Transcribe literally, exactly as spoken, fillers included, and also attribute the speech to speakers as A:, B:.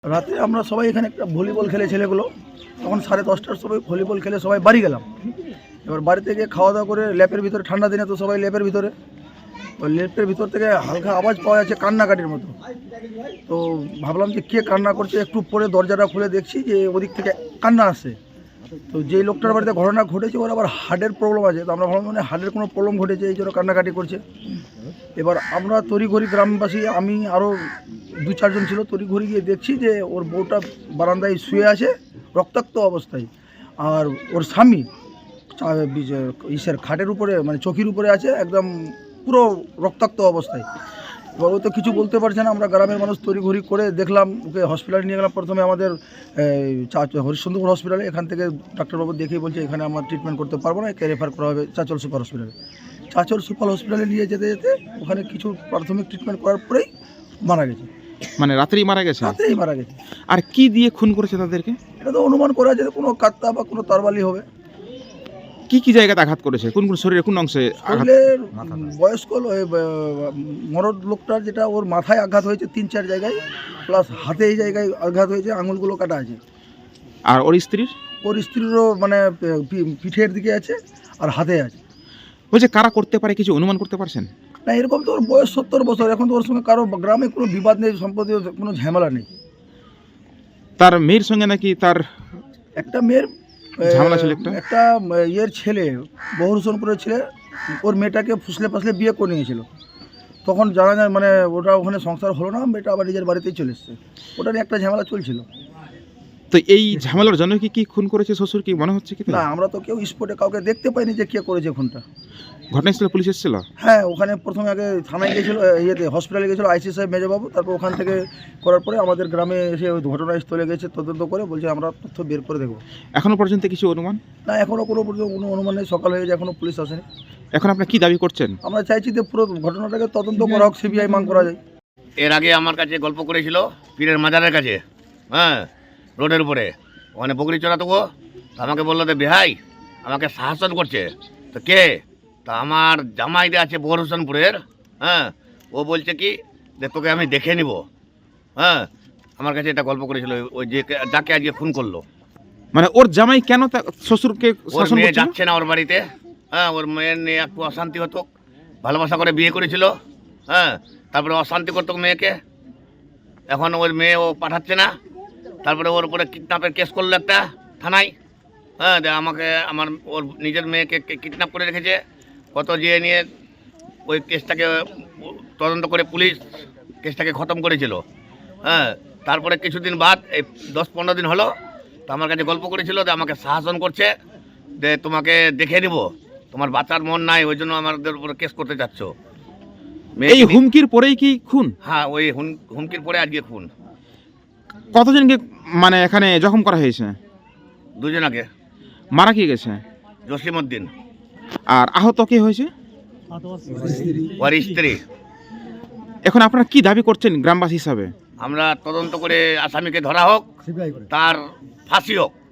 A: রাতে আমরা সবাই এখানে একটা ভলিবল খেলে ছেলেগুলো তখন সাড়ে দশটার সময় ভলিবল খেলে সবাই বাড়ি গেলাম। এবার বাড়ি থেকে খাওয়া দাওয়া করে ল্যাপের ভিতরে, ঠান্ডা দিনে তো সবাই ল্যাপের ভিতরে, ওই ল্যাপের ভিতর থেকে হালকা আওয়াজ পাওয়া যাচ্ছে কান্নাকাটির মতো। তো ভাবলাম যে কে কান্না করছে, একটু পরে দরজাটা খুলে দেখছি যে ওদিক থেকে কান্না আসছে। তো যেই লোকটার বাড়িতে ঘটনা ঘটেছে ওর আবার হার্টের প্রবলেম আছে, তো আমরা ভাবলাম মানে হার্টের কোনো প্রবলেম ঘটেছে এই জন্য কান্নাকাটি করছে। এবার আমরা তড়িঘড়ি গ্রামবাসী, আমি আরও দু চারজন ছিল, তড়িঘড়ি গিয়ে দেখছি যে ওর বউটা বারান্দায় শুয়ে আছে রক্তাক্ত অবস্থায়, আর ওর স্বামী ইসের খাটের উপরে মানে চকির উপরে আছে একদম পুরো রক্তাক্ত অবস্থায়। এবার ও তো কিছু বলতে পারছে না। আমরা গ্রামের মানুষ তড়িঘড়ি করে দেখলাম, ওকে হসপিটালে নিয়ে গেলাম। প্রথমে আমাদের হরিশ্চন্দ্রপুর হসপিটালে, এখান থেকে ডাক্তারবাবু দেখেই বলছে এখানে আমরা ট্রিটমেন্ট করতে পারবো না, একে রেফার করা হবে চাচল সুপার হসপিটালে। চাচল সুপার হসপিটালে নিয়ে যেতে যেতে ওখানে কিছু প্রাথমিক ট্রিটমেন্ট করার পরেই মারা গেছে।
B: মানে রাত্রেই মারা গেছে?
A: রাত্রেই মারা গেছে।
B: আর কি দিয়ে খুন করেছে তাদেরকে?
A: এটা তো অনুমান করা যায় কোনো কাত্তা বা কোনো তরবালি হবে।
B: কি কি জায়গাতে আঘাত করেছে, কোন কোন শরীরে কোন অংশে?
A: শরীরের বয়স্ক মরদ লোকটার যেটা ওর মাথায় আঘাত হয়েছে তিন চার জায়গায়, প্লাস হাতে এই জায়গায় আঘাত হয়েছে, আঙুলগুলো কাটা আছে।
B: আর ওর স্ত্রীর?
A: ওর স্ত্রীরও মানে পিঠের দিকে আছে আর হাতে আছে।
B: বলছে কারা করতে পারে, কিছু অনুমান করতে পারছেন?
A: না, এরকম তো ওর বয়স সত্তর বছর, এখন তো ওর সঙ্গে কারো গ্রামে কোনো বিবাদ নেই, সম্পত্তি কোনো ঝামেলা নেই।
B: তার মেয়ের সঙ্গে নাকি তার
A: একটা মেয়ের
B: ঝামেলা ছিল, একটা
A: একটা ইয়ের ছেলে, বহুরসনপুরের ছেলে, ওর মেয়েটাকে ফুসলে ফাসলে বিয়ে করে নিয়েছিল। তখন জানা যায় মানে ওটা ওখানে সংসার হলো না, মেয়েটা আবার নিজের বাড়িতেই চলে এসছে। ওটা নিয়ে একটা ঝামেলা চলছিল।
B: তো এই ঝামেলার জন্য কি কি খুন করেছে শ্বশুর, কি মনে হচ্ছে কি?
A: না, আমরা তো কেউ স্পটে কাউকে দেখতে পাইনি যে কে করেছে খুনটা।
B: ঘটনাস্থলে পুলিশ এসেছিল?
A: হ্যাঁ, ওখানে প্রথমে আগে থানায় গিয়েছিল, ইয়েতে হসপিটালে গিয়েছিল আইসি সাহেব মেজবাবু, তারপর ওখান থেকে করার পরে আমাদের গ্রামে এসে ওই ঘটনাস্থলে গেছে, তদন্ত করে বলছে আমরা তথ্য বের করে দেখবো।
B: এখনো পর্যন্ত কিছু অনুমান?
A: না, এখনও কোনো পর্যন্ত কোনো অনুমান নেই। সকাল হয়ে গেছে, এখনও পুলিশ আসেনি।
B: এখন আপনার কি দাবি করছেন?
A: আমরা চাইছি যে পুরো ঘটনাটাকে তদন্ত করা হোক, সিবিআই মান করা যায়।
C: এর আগে আমার কাছে গল্প করেছিল পীরের মাজারের কাছে, হ্যাঁ, রোডের উপরে, ওখানে বকরি চড়াতো। ও আমাকে বললো যে বেহাই আমাকে শাসন করছে। তো কে? তা আমার জামাইতে আছে বহুরসনপুরের, হ্যাঁ, ও বলছে কি যে তোকে আমি দেখে নিব। হ্যাঁ, আমার কাছে এটা গল্প করেছিল ওই যে যাকে আজকে খুন করলো।
B: মানে ওর জামাই কেন তার শ্বশুরকে
C: ওর
B: শাসন
C: মেয়ে
B: করছে?
C: যাচ্ছে না ওর বাড়িতে, হ্যাঁ, ওর মেয়ের নিয়ে একটু অশান্তি হতো, ভালোবাসা করে বিয়ে করেছিল, হ্যাঁ, তারপরে অশান্তি করতো মেয়েকে। এখন ওর মেয়ে ও পাঠাচ্ছে না, তারপরে ওর উপরে কিডন্যাপের কেস করলো একটা থানায়, হ্যাঁ, যে আমাকে আমার ওর নিজের মেয়েকে কিডন্যাপ করে রেখেছে। কত যেয়ে নিয়ে ওই কেসটাকে তদন্ত করে পুলিশ কেসটাকে খতম করেছিল। হ্যাঁ, তারপরে কিছুদিন বাদ এই দশ পনেরো দিন হলো, তো আমার কাছে গল্প করেছিল যে আমাকে শাসন করছে, যে তোমাকে দেখে নিব, তোমার বাচ্চার মন নাই, ওই জন্য আমাদের উপরে কেস করতে চাচ্ছ।
B: এই হুমকির পরেই কি খুন?
C: হ্যাঁ, ওই হুমকির পরে আজকে খুন।
B: কতজনকে মানে এখানে জখম করা হয়েছে?
C: দুজনাকে।
B: মারা কি গেছে?
C: জসিম উদ্দিন।
B: আর আহত কে হয়েছে?
C: ওর স্ত্রী।
B: এখন আপনারা কি দাবি করছেন গ্রামবাসী হিসাবে?
C: আমরা তদন্ত করে আসামিকে ধরা হোক, তার ফাঁসি হোক।